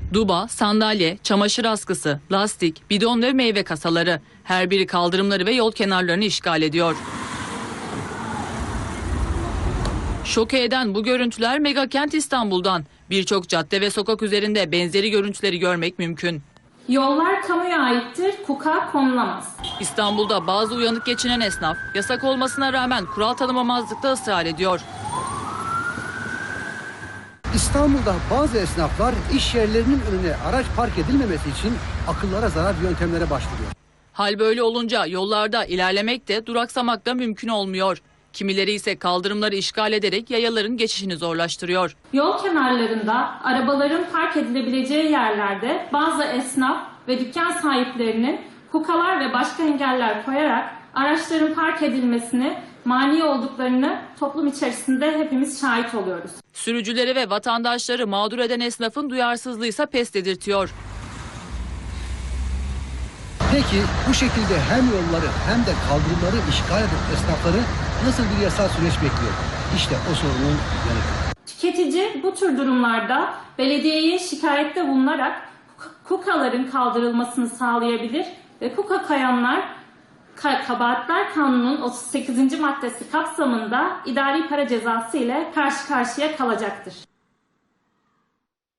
Duba, sandalye, çamaşır askısı, lastik, bidon ve meyve kasaları. Her biri kaldırımları ve yol kenarlarını işgal ediyor. Şoke eden bu görüntüler megakent İstanbul'dan. Birçok cadde ve sokak üzerinde benzeri görüntüleri görmek mümkün. Yollar kamuya aittir, KUK'a konulamaz. İstanbul'da bazı uyanık geçinen esnaf yasak olmasına rağmen kural tanımamazlıkta ısrar ediyor. İstanbul'da bazı esnaflar iş yerlerinin önüne araç park edilmemesi için akıllara zarar yöntemlere başvuruyor. Hal böyle olunca yollarda ilerlemek de duraksamak da mümkün olmuyor. Kimileri ise kaldırımları işgal ederek yayaların geçişini zorlaştırıyor. Yol kenarlarında arabaların park edilebileceği yerlerde bazı esnaf ve dükkan sahiplerinin KUK'alar ve başka engeller koyarak araçların park edilmesine mani olduklarını toplum içerisinde hepimiz şahit oluyoruz. Sürücüleri ve vatandaşları mağdur eden esnafın duyarsızlığı ise pes dedirtiyor. Peki bu şekilde hem yolları hem de kaldırımları işgal eden esnafları nasıl bir yasal süreç bekliyor? İşte o sorunun yanıtı. Tüketici bu tür durumlarda belediyeye şikayette bulunarak KUK'aların kaldırılmasını sağlayabilir ve KUK'a kayanlar Kabahatler Kanunu'nun 38. maddesi kapsamında idari para cezası ile karşı karşıya kalacaktır.